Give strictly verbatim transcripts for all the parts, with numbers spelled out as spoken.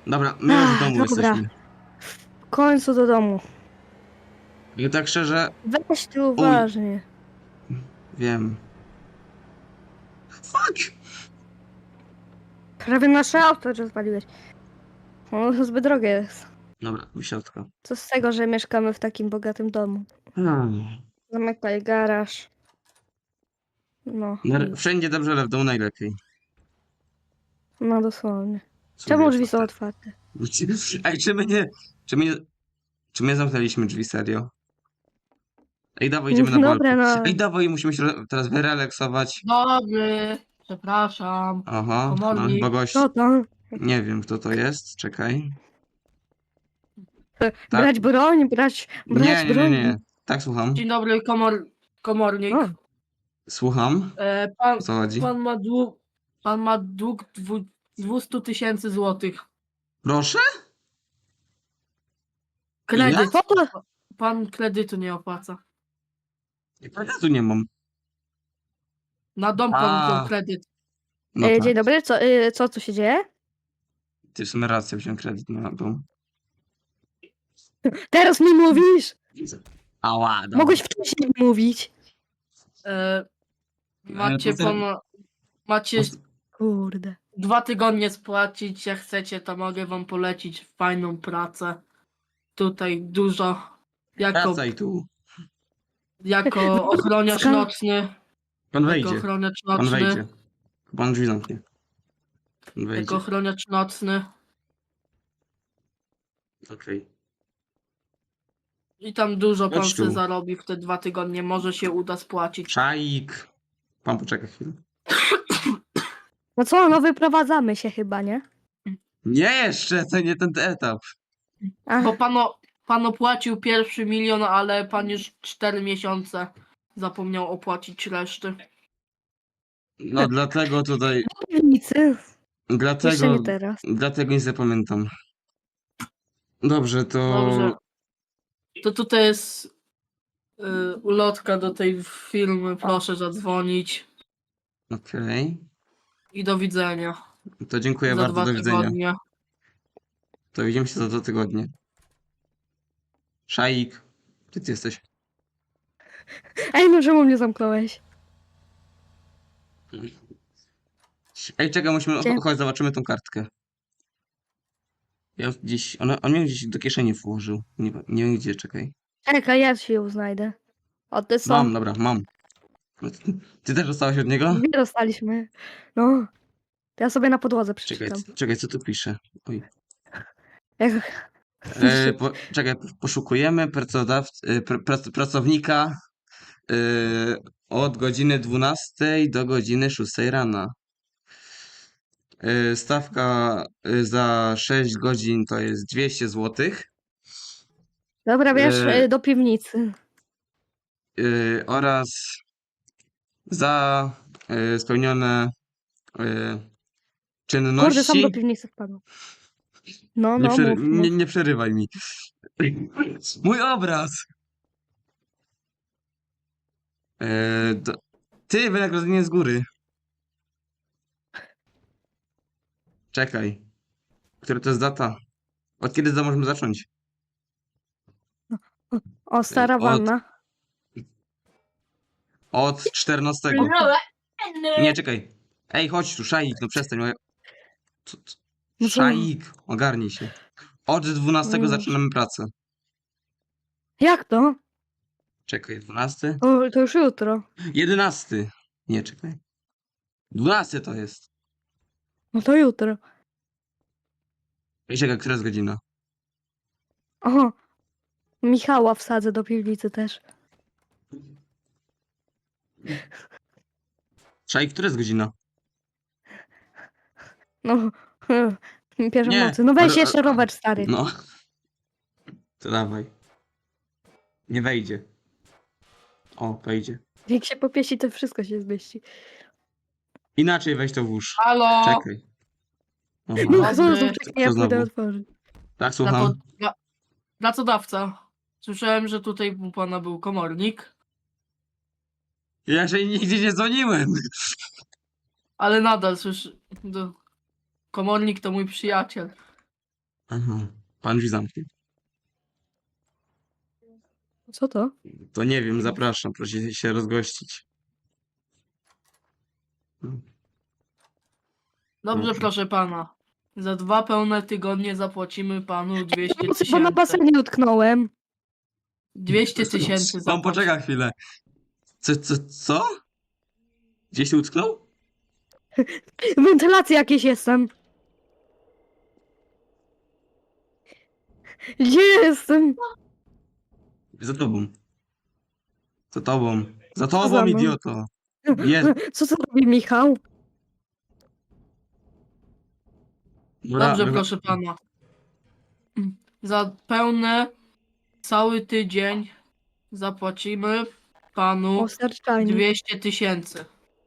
Dobra, my już w Ach, domu dobra. jesteśmy. W końcu do domu. I tak szczerze, Weź ty uj, uważnie. wiem. Fuck! Prawie nasze auto rozwaliłeś. Ono zbyt drogie jest. Dobra, wysiadka. Co z tego, że mieszkamy w takim bogatym domu? Hmm. Zamykaj garaż. No Na- i... Wszędzie dobrze, ale w domu najlepiej. No dosłownie. Są Czemu drzwi drzwi są otwarte. otwarte? Ej, czy my nie... Czy my nie... Czy my zamknęliśmy drzwi, serio? Ej, dawaj, idziemy na Dobra, balkon. no. Ej, dawaj, musimy się re- teraz wyrelaksować. Dobry, przepraszam. Aha, no chyba Komornik. gość. Co to? Nie wiem, kto to jest. Czekaj. Tak? Brać broń, brać, Nie, brać nie, nie, broń. nie. Tak, słucham. Dzień dobry, komor, komornik. O, Słucham. E, pan, O co chodzi? pan ma dług, pan ma dług dwu, dwieście tysięcy złotych. Proszę? Kredyt. co to? Pan kredytu nie opłaca. Ja tu nie mam. Na dom pan wziął A, kredyt. no E, tak. dzień dobry, co, e, co tu się dzieje? Ty w sumie rację, wziąłem kredyt na dom. Teraz mi mówisz! Ała, dobra. Mogłeś wcześniej mówić. E, macie to- pan, macie Kurde. dwa tygodnie spłacić, jak chcecie, to mogę wam polecić fajną pracę. Tutaj dużo. Jako, Wracaj tu. jako ochroniarz Ska- nocny. Pan Jako wejdzie. ochroniarz Pan nocny. wejdzie. Pan drzwi zamknie. Pan wejdzie. Jako ochroniarz nocny. Okej. I tam dużo pan Chodź tu. se zarobi w te dwa tygodnie. Może się uda spłacić. Szaik. Pan poczeka chwilę. No co, no wyprowadzamy się chyba, nie? Nie jeszcze, to nie ten etap. Ach, Bo pan, o- pan opłacił pierwszy milion, ale pan już cztery miesiące zapomniał opłacić reszty. No dlatego tutaj, do piwnicy. Jeszcze dlatego, nie teraz. dlatego nie zapamiętam. Dobrze, to... Dobrze. To tutaj jest y, ulotka do tej firmy. Proszę zadzwonić. Okej. I do widzenia. To dziękuję Za bardzo, dwa do widzenia. tygodnie. To widzimy się za dwa tygodnie. Szaik. Gdzie ty jesteś? Ej, no czemu mnie zamknąłeś? Ej, czekaj, musimy... Gdzie? Chodź, zobaczymy tą kartkę. Ja gdzieś... Ona, on mnie gdzieś do kieszeni włożył. Nie, nie wiem gdzie, czekaj. Czekaj, ja ci ją znajdę. O, ty są. Mam, dobra, mam. Ty też dostałeś od niego? Dwie dostaliśmy. No. To ja sobie na podłodze Czekaj, przeczytam. c- czekaj, co tu pisze? Oj. Jak... E, po, czekaj, poszukujemy pracodawc, e, pr, prac, pracownika e, od godziny dwunastej do godziny szóstej rana. E, stawka e, za sześć godzin to jest dwieście złotych Dobra, wiesz, E, y, do piwnicy. e, oraz za e, spełnione e, Kurde, sam do czynności. piwnicy wpadł. No, Nie, no, przery, mów, mów. nie, nie przerywaj mi. Mój obraz! E, do, ty, wynagrodzenie z góry. Czekaj. Która to jest data? Od kiedy za możemy zacząć? O, stara Od- wanna. Od czternastego. Nie, czekaj. Ej, chodź tu, Szaik, no przestań. moja- Co- co- No co? Szaik, ogarnij się. Od dwunastego No. zaczynamy pracę. Jak to? Czekaj, dwunasty? O, to już jutro. jedenasty. Nie, czekaj. dwunasty to jest. No to jutro. Ej, czekaj, która jest godzina? O, Michała wsadzę do piwnicy też. Szaik, która jest godzina? No, pierwszą Nie, nocy. No weź ale- jeszcze rower stary. No. To dawaj. Nie wejdzie. O, wejdzie. Jak się popieści, to wszystko się zmieści. Inaczej weź to włóż. Halo! Czekaj. Aha. No, Dobry. co, co, czekaj, ja Co pójdę znowu? otworzyć. Tak, Praco- słucham. pra- Pracodawca. Słyszałem, że tutaj u pana był komornik, Ja jeszcze nigdzie nie dzwoniłem. ale nadal słyszę. do- Komornik to mój przyjaciel. Aha. Pan drzwi zamknie. Co to? To nie wiem, zapraszam, proszę się rozgościć. Dobrze, Proszę. proszę pana. Za dwa pełne tygodnie zapłacimy panu dwieście Bo na tysięcy. basenie utknąłem. dwieście tysięcy Pan zapłacimy. poczeka chwilę. Co, co, co? Gdzieś się utknął? W wentylacji jakieś jestem. Gdzie jestem? Za tobą. Za tobą. Za Co za tobą, mną? idioto. Jest. Co to robi Michał? Dobra, Dobrze, wycho- proszę pana. Za pełne cały tydzień zapłacimy panu O, serczajnik. dwieście tysięcy.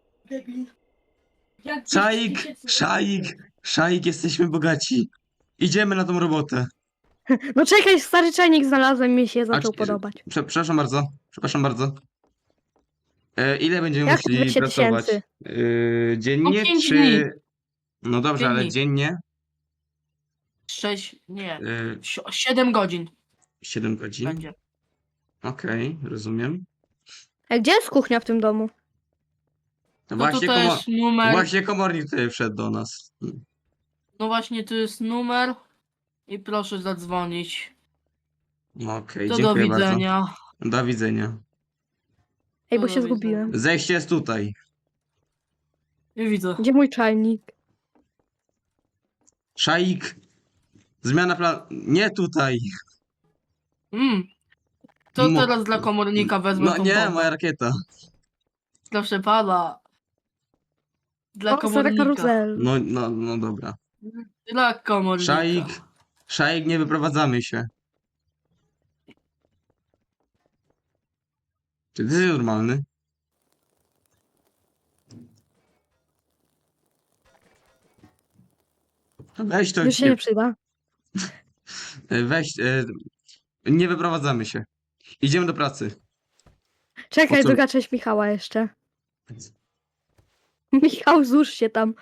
Szaik, szaik, szaik, jesteśmy bogaci. Idziemy na tą robotę. No czekaj, stary czajnik znalazłem, mi się zaczął czy- podobać. Prze, przepraszam bardzo, przepraszam bardzo. E, ile będziemy Jak musieli dwieście pracować? tysięcy? E, dziennie No pięć czy... dni. No dobrze, Pięć ale dni. dziennie? Sześć, nie, E, si- siedem godzin siedem godzin. będzie. Okej, rozumiem. A gdzie jest kuchnia w tym domu? No No właśnie, tutaj komo... jest numer, właśnie komornik tutaj wszedł do nas. no właśnie tu jest numer i proszę zadzwonić. Okej, To do dziękuję widzenia. bardzo. Do widzenia. Ej, bo Do się widzenia. zgubiłem. Zejście jest tutaj. Nie widzę. Gdzie mój czajnik? Szaik. Zmiana plan... Nie tutaj. Mm. To Mo- teraz dla komornika wezmę No tą nie, bombę. moja rakieta. Proszę pana. Dla O, stara komornika. karuzel. No, no, no dobra. Dla komornika. Szaik. Szaik, nie wyprowadzamy się. Czy ty jesteś normalny? Weź to, Już się nie, nie przyda. weź, e, nie wyprowadzamy się. Idziemy do pracy. Czekaj, Po co- druga część Michała jeszcze. Michał, złóż się tam.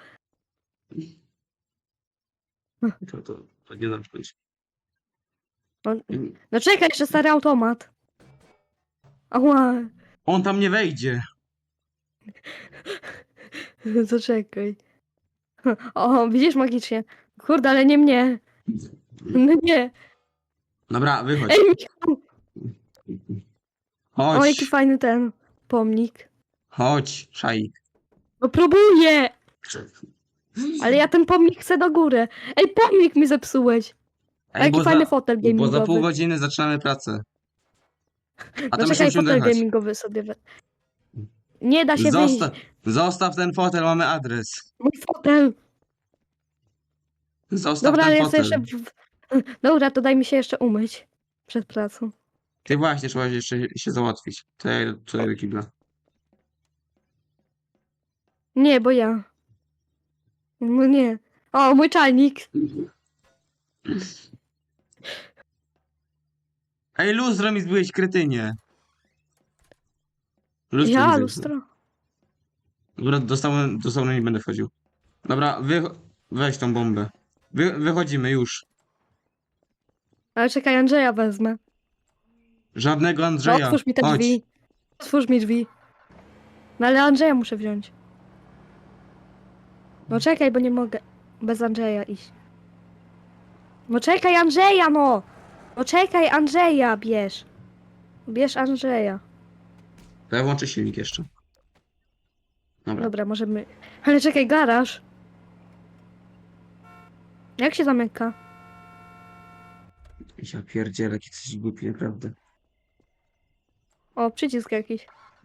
To, to, to nie zamknąć. On... No czekaj, jeszcze stary automat. Ała, On tam nie wejdzie. zaczekaj. O, widzisz magicznie. Kurde, ale nie mnie. No nie. Dobra, wychodź. Ej, Michał! O, jaki Chodź, fajny ten pomnik. chodź, Szaik. No próbuję! Ale ja ten pomnik chcę do góry. Ej, pomnik mi zepsułeś. A jaki bo fajny za, fotel bo za pół gamingowy. godziny zaczynamy pracę. A No tam czekaj, jeszcze musimy fotel dojechać. gamingowy sobie we... Nie da się Zosta wyjść. zostaw ten fotel, mamy adres. Mój fotel. Zostaw Dobra, ale ten ja sobie fotel. jeszcze... w- Dobra, to daj mi się jeszcze umyć. Przed pracą. Ty właśnie, trzeba jeszcze się załatwić. To ja idę tutaj do kibla. Nie, bo ja. No nie. O, mój czajnik. Ej, lustro mi zbyłeś, kretynie. Lustro Ja, mi zepsuł. lustro. Dobra, do sauny, do sauny nie będę wchodził. Dobra, wy, weź tą bombę. Wy, wychodzimy już. Ale czekaj, Andrzeja wezmę. Żadnego No, Andrzeja. otwórz mi te Chodź. drzwi. Otwórz mi drzwi. No ale Andrzeja muszę wziąć. No czekaj, bo nie mogę bez Andrzeja iść. No czekaj, Andrzeja, no! No czekaj, Andrzeja bierz. Bierz Andrzeja. To ja włączę silnik jeszcze. Dobra. Dobra, możemy... Ale czekaj, garaż. Jak się zamyka? Ja pierdzielę, jaki coś głupi, naprawdę. O, przycisk jakiś.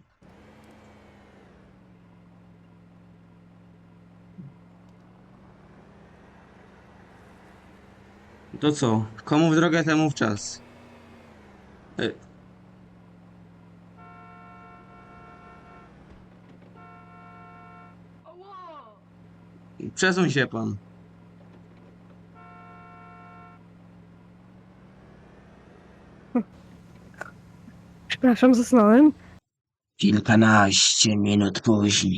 To co? Komu w drogę, temu w czas. E, Przesuń się pan. Przepraszam, zasnąłem. Kilkanaście minut później.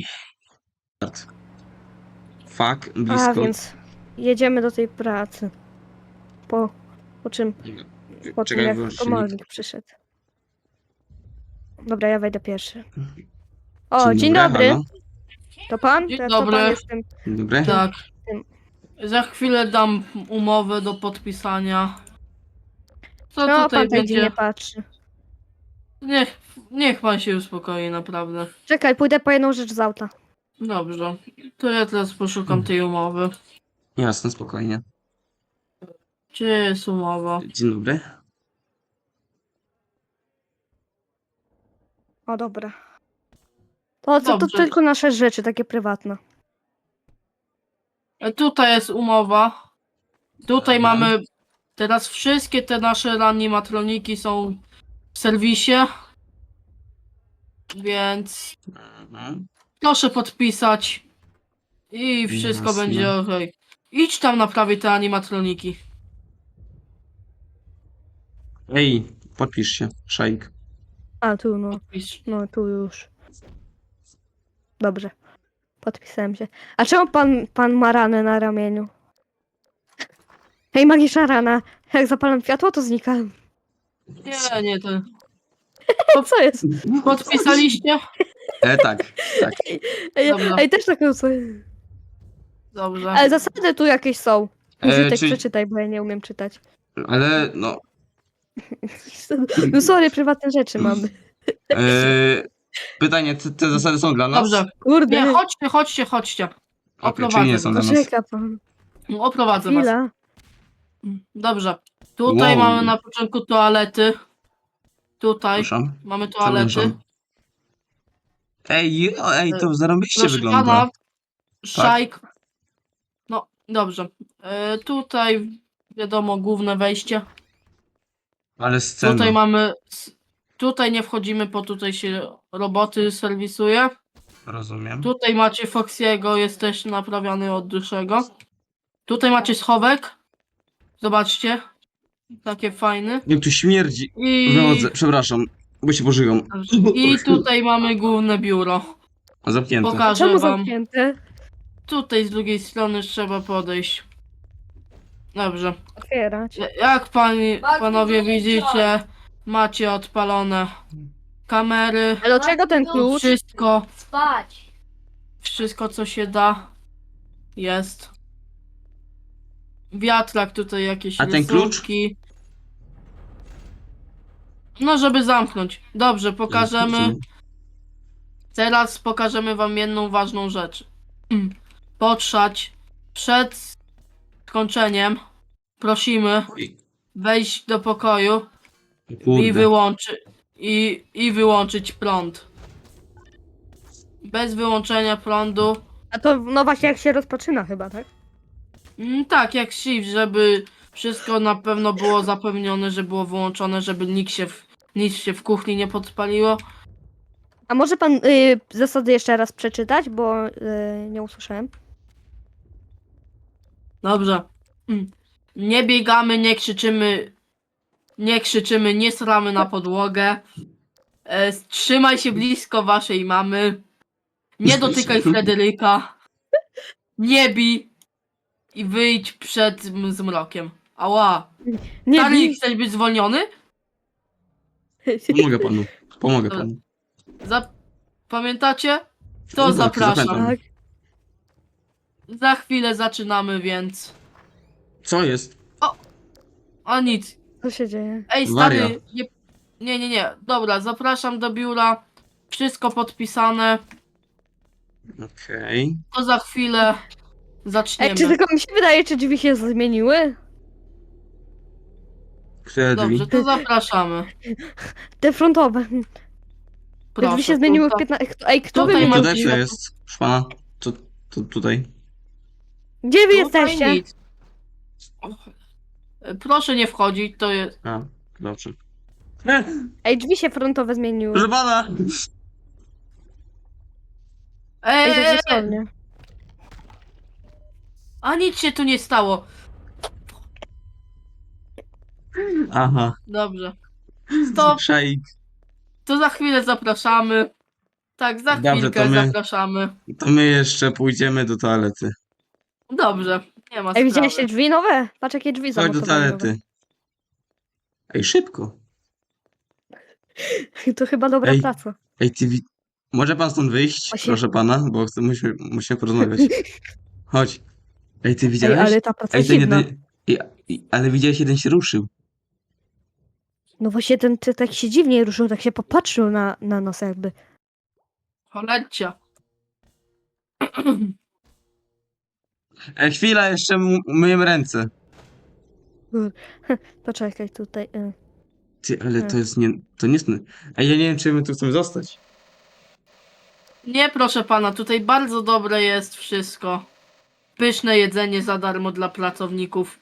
Fuck, A, blisko. więc jedziemy do tej pracy. po, po czym, po tym Czekaj, jak wyłącz silnik. komornik przyszedł. Dobra, ja wejdę pierwszy. O, dzień, dobry, dobry. halo. To pan? Dzień To, to dobry. pan jestem. Dzień dobry. Tak. Tym. Za chwilę dam umowę do podpisania. Co No, tutaj pan tak będzie? dziwnie patrzy. Niech, niech pan się uspokoi, naprawdę. Czekaj, pójdę po jedną rzecz z auta. Dobrze. To ja teraz poszukam tej umowy. Jasne, spokojnie. Gdzie jest umowa? Dzień dobry. O, dobra. To, to, to Dobrze. tylko nasze rzeczy, takie prywatne. E, Tutaj jest umowa. Tutaj Dobra. mamy. Teraz wszystkie te nasze reanimatroniki są w serwisie. Więc Mhm. proszę podpisać. I wszystko Jasne. będzie ok. Idź tam naprawić te animatroniki. Ej, podpisz się, szajk. A, tu no. Podpisz. No, tu już. Dobrze. Podpisałem się. A czemu pan, pan ma ranę na ramieniu? Hej, magiczna rana. Jak zapalam światło, to znika. Nie, nie, to. Co jest? Podpisaliście? E, tak, tak. Ej, Dobra. ej też taką co. Dobrze. Ale zasady tu jakieś są. E, Użytek czy- przeczytaj, bo ja nie umiem czytać. Ale no, No sorry, prywatne rzeczy mamy. e, pytanie, te, te zasady są dla nas? Dobrze. Kurde. Nie, chodźcie, chodźcie, chodźcie. Okej, Oprowadzę czyli nie są dla nas. Poczeka pan. Oprowadzę was. Chwila. Dobrze. Tutaj Wow. mamy na początku toalety. Tutaj Proszę, mamy toalety. przepraszam. Ej, o, ej, to zarąbiście Proszę wygląda. pana, szajk. No, dobrze. E, tutaj wiadomo, główne wejście. Ale scena. Tutaj mamy. s- Tutaj nie wchodzimy, bo tutaj się roboty serwisuje. Rozumiem. Tutaj macie Foxiego, jest też naprawiany od dłuższego. Tutaj macie schowek. Zobaczcie. Takie fajne. Jak tu śmierdzi. I, Wychodzę, przepraszam, bo się pożygam. I tutaj mamy główne biuro. Zamknięte. Pokażę Czemu wam. zamknięte? Tutaj z drugiej strony trzeba podejść. Dobrze. Otwierać. Jak pani, panowie widzicie, macie odpalone kamery. Ale do czego ten klucz? Wszystko, Spać. wszystko co się da jest. Wiatrak tutaj jakieś A ten klucz? rysunki. No żeby zamknąć. Dobrze, pokażemy. Teraz pokażemy wam jedną ważną rzecz. Potrzać przed skończeniem. Prosimy Oj, wejść do pokoju i, kurde. wyłączy, i, i wyłączyć prąd. Bez wyłączenia prądu. A to no właśnie jak się rozpoczyna chyba, tak? Mm, tak, jak shift, żeby wszystko na pewno było zapewnione, że było wyłączone, żeby nikt się w, nic się w kuchni nie podpaliło. A może pan y, zasady jeszcze raz przeczytać, bo y, nie usłyszałem. Dobrze. Mm. Nie biegamy, nie krzyczymy, nie krzyczymy, nie sramy na podłogę. E, trzymaj się blisko waszej mamy. Nie dotykaj Frederyka. Nie bij. I wyjdź przed m- zmrokiem. Ała. Nie Charlie, bij. chcesz być zwolniony? Pomogę panu. Pomogę panu. Za... Pamiętacie? To No tak, zapraszam. zapamiętam. Tak. Za chwilę zaczynamy, więc... Co jest? A nic. Co się dzieje? Ej, stary, Waria. nie, nie, nie, nie. Dobra, zapraszam do biura. Wszystko podpisane. Okej. To za chwilę Ej, zaczniemy. czy tylko mi się wydaje, czy drzwi się zmieniły? Które drzwi? Dobrze, to zapraszamy. Te frontowe. Te Proszę, drzwi się zmieniły w tutaj- piętnaście. Ej, kto tutaj wy masz- mnie Tutaj drzwi. co jest? Proszę pana. Co, to tutaj? Gdzie wy Tutaj jesteście? nic. Proszę nie wchodzić, to jest... A, dobrze. E, Ej, drzwi się frontowe zmieniły. proszę pana! Ej, tak Eee, dosłownie. a nic się tu nie stało. Aha. Dobrze. Stop, Szajk. to za chwilę zapraszamy. Tak, za Dobrze, chwilkę to my- zapraszamy. To my jeszcze pójdziemy do toalety. Dobrze. Nie ma Ej, widziałeś te sprawy. drzwi nowe? Patrz jakie drzwi Chodź do zamontowane nowe. toalety. Ej, szybko. To chyba dobra Ej. praca. Ej, ty wi... Może pan stąd wyjść, Właśnie- proszę pana, bo chcę, musimy, musimy porozmawiać. Chodź. Ej, ty Ej, widziałeś? ale ta praca Ej, jest ten dziwna. jeden... Ej, ej, ale widziałeś, jeden się ruszył. No właśnie ten, ten tak się dziwnie ruszył, tak się popatrzył na, na nas jakby. Cholecia. Ej, chwila, jeszcze m- myję ręce. Poczekaj tutaj. y. Ty, ale to Hmm. jest nie... To nie jest... Ej, ja nie wiem, czy my tu chcemy zostać. Nie, proszę pana, tutaj bardzo dobre jest wszystko. Pyszne jedzenie za darmo dla pracowników.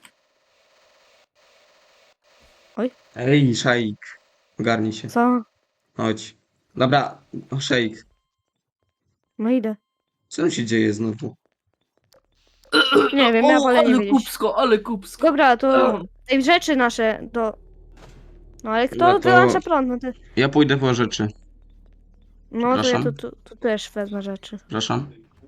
Ej, szaik. Ogarnij się. Co? Chodź. Dobra, o, szaik. No idę. Co tam się dzieje znowu? Nie wiem, ja O, wolę nie ale wiedzieć. kupsko, ale kupsko. Dobra, to O, tej rzeczy nasze do... No ale kto No to- wyłącza prąd? No, ty... Ja pójdę po rzeczy. no to ja Przepraszam? tu, tu, tu też wezmę rzeczy. Przepraszam.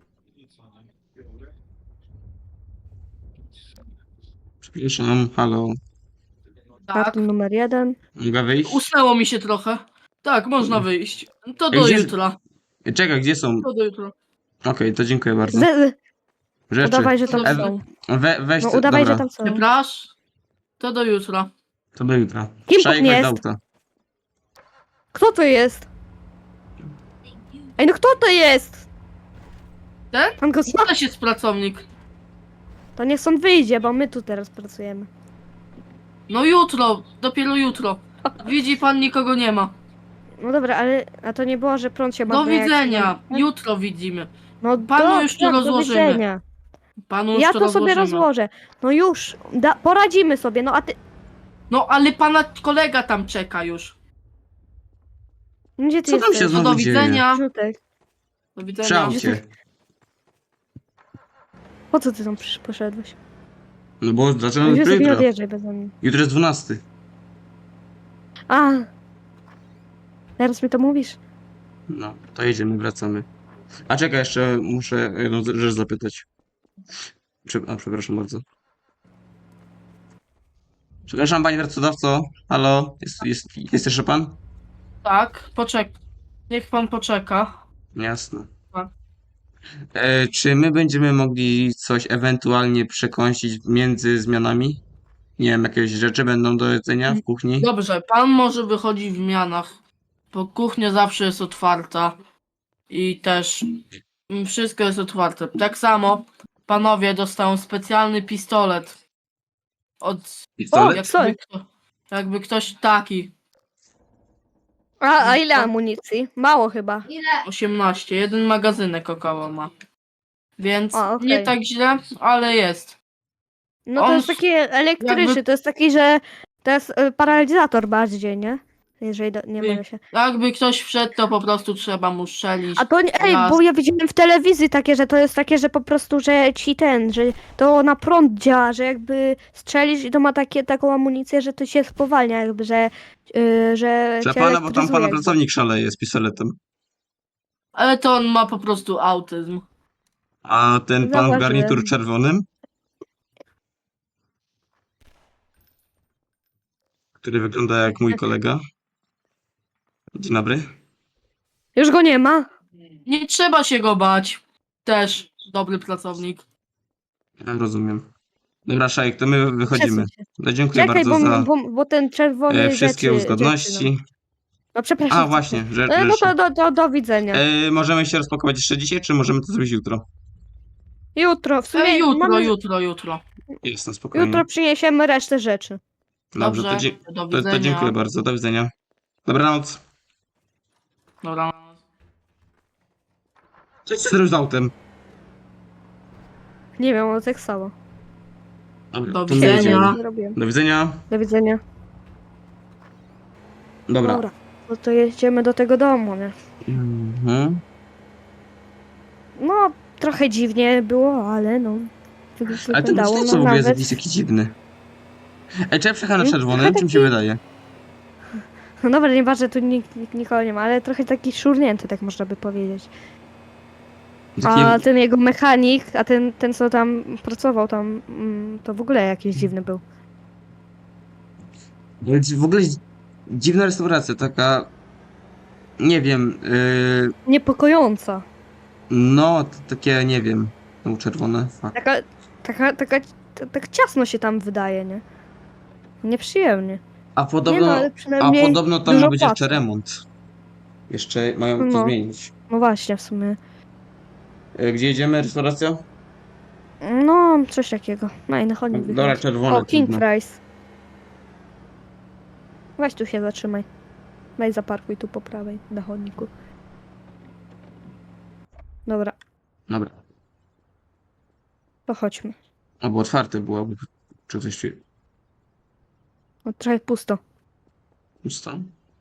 Przepraszam, halo. tak. Karton numer jeden. Mogę wyjść? Usnęło mi się trochę. Tak, można wyjść. To Ej, do gdzie- jutra. Ej, Czekaj, gdzie są? To do jutra. Okej, to dziękuję bardzo. Z... Rzeczy. Udawaj, że tam Ew- są. We, weź No te- udawaj, dobra, że tam są. Przepraszam. To do jutra. to do jutra. Kim Szajek, pan weź jest? do auta. Kto to jest? Ej, no kto to jest? Ten? Pan go To też jest pracownik. To niech stąd wyjdzie, bo my tu teraz pracujemy. No jutro, dopiero jutro. Widzi pan, nikogo nie ma. No dobra, ale a to nie było, że prąd się Do marnuje, jak się widzenia. nie- Jutro widzimy. No Panu do, już tu tak, do rozłożymy. widzenia. Panu już Ja to to sobie rozłożymy. rozłożę. No już, da, poradzimy sobie, no a ty... No ale pana kolega tam czeka już. Gdzie ty Co tam się jesteś? No znowu do dzieje? widzenia. Żółtek. Do Przy widzenia. aucie. Po co ty tam przysz- poszedłeś? No bo No zaczynamy już jutro. sobie nie Jutro. odjeżdżaj bez mnie. Jutro jest dwunasty. A. Teraz mi to mówisz? No, to jedziemy, wracamy. A czekaj, jeszcze muszę jedną z- rzecz zapytać. Prze a, przepraszam bardzo. Przepraszam, panie pracodawco. Halo? Jest, jest, jest jeszcze pan? Tak, poczek. Niech pan poczeka. Jasne. Tak. E, czy my będziemy mogli coś ewentualnie przekąsić między zmianami? Nie wiem, jakieś rzeczy będą do jedzenia w kuchni? Dobrze, pan może wychodzić w mianach, bo kuchnia zawsze jest otwarta i też mm, wszystko jest otwarte. Tak samo panowie dostają specjalny pistolet od Pistolet? O, co? jakby, kto, jakby ktoś taki A, a ile amunicji? Mało chyba. osiemnaście, jeden magazynek około ma. Więc O, okej. nie tak źle, ale jest. No to On jest s- taki elektryczny, jakby- to jest taki, że to jest y, paralizator bardziej, nie? Jeżeli do, nie Wy- mylę się. Jakby ktoś wszedł, to po prostu trzeba mu strzelić. A to nie, ej, raz. bo ja widziałem w telewizji takie, że to jest takie, że po prostu, że ci ten, że to na prąd działa, że jakby strzelisz i to ma takie, taką amunicję, że to się spowalnia jakby, że yy, że Dla cię pana, bo tam elektryzuje pana jakby. pracownik szaleje z pistoletem. Ale to on ma po prostu autyzm. A ten pan w Zauważyłem. garnitur czerwonym? Który wygląda jak mój kolega. Dzień dobry. Już go nie ma? Nie trzeba się go bać. Też dobry pracownik. Ja rozumiem. Dobra, Szajek, to my wychodzimy. Przesuń się. No, dziękuję Czekaj, bardzo bo, za bo, bo ten czerwony e, wszystkie rzeczy, uzgodności. Rzeczy, no. no przepraszam. A, właśnie, że, E, No rzeczy. to do, do, do widzenia. E, możemy się rozpakować jeszcze dzisiaj, czy możemy to zrobić jutro? Jutro, w sumie E, jutro, mamy, jutro, jutro. Jasne, spokojnie. jutro przyniesiemy resztę rzeczy. Dobrze, to, Dobrze, dzie- do to, widzenia. to dziękuję bardzo. Do widzenia. Dobranoc. Dobra. Co ty zrobisz z autem? Nie wiem, ono tak samo. Dobra, Do to my widzenia. jedziemy. Nie robiłem. Do widzenia. Do widzenia. Dobra. Dobra. No to jedziemy do tego domu, nie? Mhm. No, trochę dziwnie było, ale no. Ale ten Wyglądało co no, w ogóle jest nawet. jakiś taki dziwny. Ej, czy ja przejechałem na Mm, czerwonym? trochę Czym się taki- wydaje? No dobra, nie ważne, tu nikt, nikt nikogo nie ma, ale trochę taki szurnięty, tak można by powiedzieć. Taki, A ten jego mechanik, a ten, ten co tam pracował tam, mm, to w ogóle jakiś dziwny był. w ogóle dziwna restauracja, taka, nie wiem, yy, Niepokojąca. no, to takie, nie wiem, no czerwone, fuck. Taka, taka, taka, t- tak ciasno się tam wydaje, nie? Nieprzyjemnie. A Nie podobno, no, ale a przynajmniej podobno tam ma dużo być jeszcze płacą. remont. Jeszcze mają to No. zmienić. No właśnie, w sumie. E, Gdzie jedziemy? Restauracja? No, coś takiego. Na inny chodnik Dobra, wychodzi. czerwone, O, King trudno. Fries. Weź tu się zatrzymaj. Weź zaparkuj tu po prawej, na chodniku. Dobra, Dobra. to chodźmy. Albo otwarte było, czy coś tu No, trochę pusto. pusto?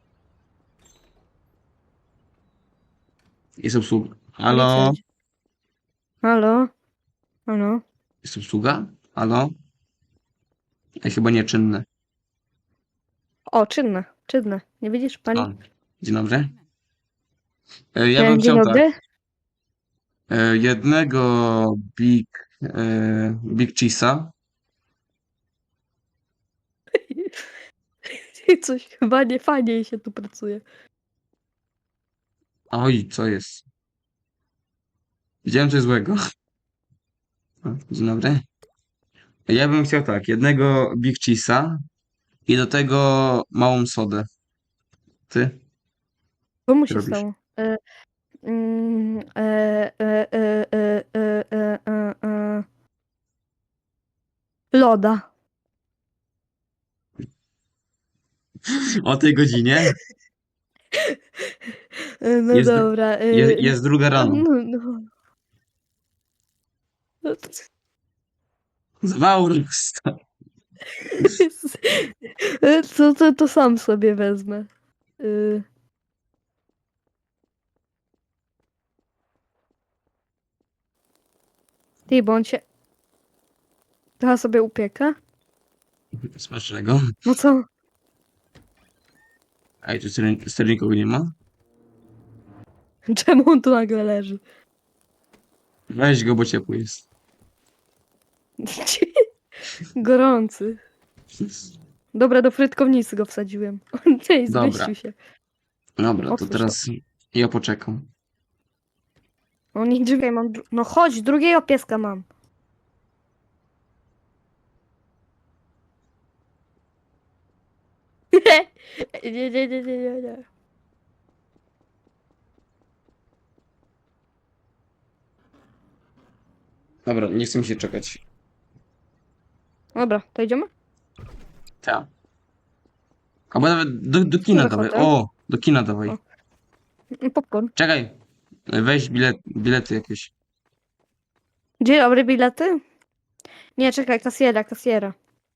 Jest obsługa. Halo? Liczę. Halo? Halo? Jest obsługa? Halo? Ej, chyba nieczynne. O, czynne, czynne. Nie widzisz, pani? O, dzień dobry. E, Ja Dzień bym chciał tak. dobry. e, Jednego Big, e, Big Cheese'a. Coś chyba nie fajnie się tu pracuje. Oj, co jest? Widziałem coś złego. O, dzień dobry. Ja bym chciał tak, jednego Big Cheese'a i do tego małą sodę. Ty? Co mu Co się robisz? stało? E, mm, e, e, e, e, e, e, e, e. Loda. O tej godzinie? E, No Jest, dru- dobra. e, je, jest druga no, rano. no, no. No to- Zwaurus. E, To, to, to sam sobie wezmę. Y. Ty, bo on cię... Trochę sobie upieka? Smacznego. No co? Ej, tu ster- sterników nie ma? Czemu on tu nagle leży? Weź go, bo ciepły jest. Gorący. Dobra, do frytkownicy go wsadziłem. Ej, Dobra. zmieścił się. Dobra, to Otwórz teraz ja poczekam. O, nie drzwiej mam... dru- No chodź, drugiego pieska mam. Nie, nie, nie, nie, nie, nie. Dobra, nie chcę mi się czekać. Dobra, to idziemy? Tak. Albo nawet do, do kina Może dawaj. hotel? O, do kina dawaj. O. Mm, Popcorn. Czekaj. Weź bilet, bilety jakieś. Dzień dobry, bilety? Nie, czekaj, kasjera, kasjera.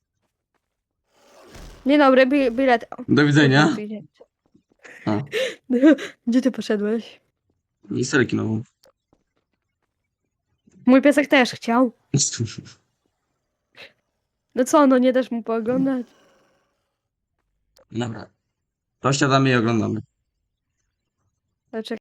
Dzień dobry, bi bilet. O, Do widzenia. bilet. O, Gdzie ty poszedłeś? i salę kinową. Mój piesek też chciał. No co, no nie dasz mu pooglądać? Dobra. To siadamy i oglądamy. Ale czekaj.